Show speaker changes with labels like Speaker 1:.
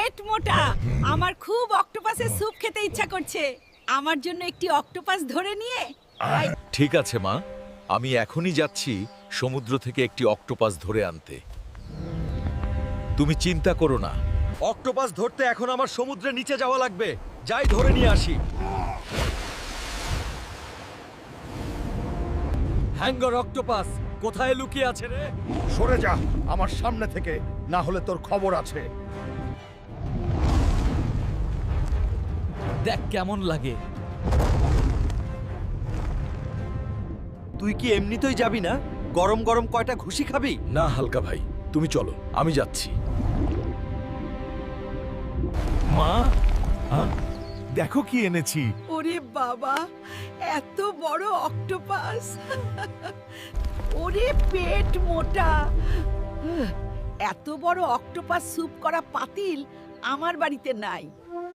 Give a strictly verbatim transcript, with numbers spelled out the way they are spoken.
Speaker 1: পেট মোটা, আমার খুব অক্টোপাসের স্যুপ খেতে ইচ্ছা করছে। আমার জন্য একটি অক্টোপাস ধরে নিয়ে আয়।
Speaker 2: ঠিক আছে মা, আমি এখনই যাচ্ছি সমুদ্র থেকে একটি অক্টোপাস ধরে আনতে। তুমি চিন্তা করো না, অক্টোপাস ধরতে এখন আমার সমুদ্রের নিচে যাওয়া লাগবে। যাই ধরে নিয়ে আসি। হ্যাঙ্গর অক্টোপাস কোথায় লুকিয়ে আছে রে?
Speaker 3: সরে যা আমার সামনে থেকে, না হলে তোর খবর আছে।
Speaker 2: দেখ কেমন লাগে। তুই কি এমনিতেই যাবি না? গরম গরম কয়টা ঘুষি খাবি? না হালকা ভাই, তুমি চলো, আমি যাচ্ছি।
Speaker 3: মা, দেখো কি এনেছি।
Speaker 1: ওরে বাবা, এত বড় অক্টোপাস! ওরে পেট মোটা! এত বড় অক্টোপাস স্যুপ করা পাতিল আমার বাড়িতে নাই।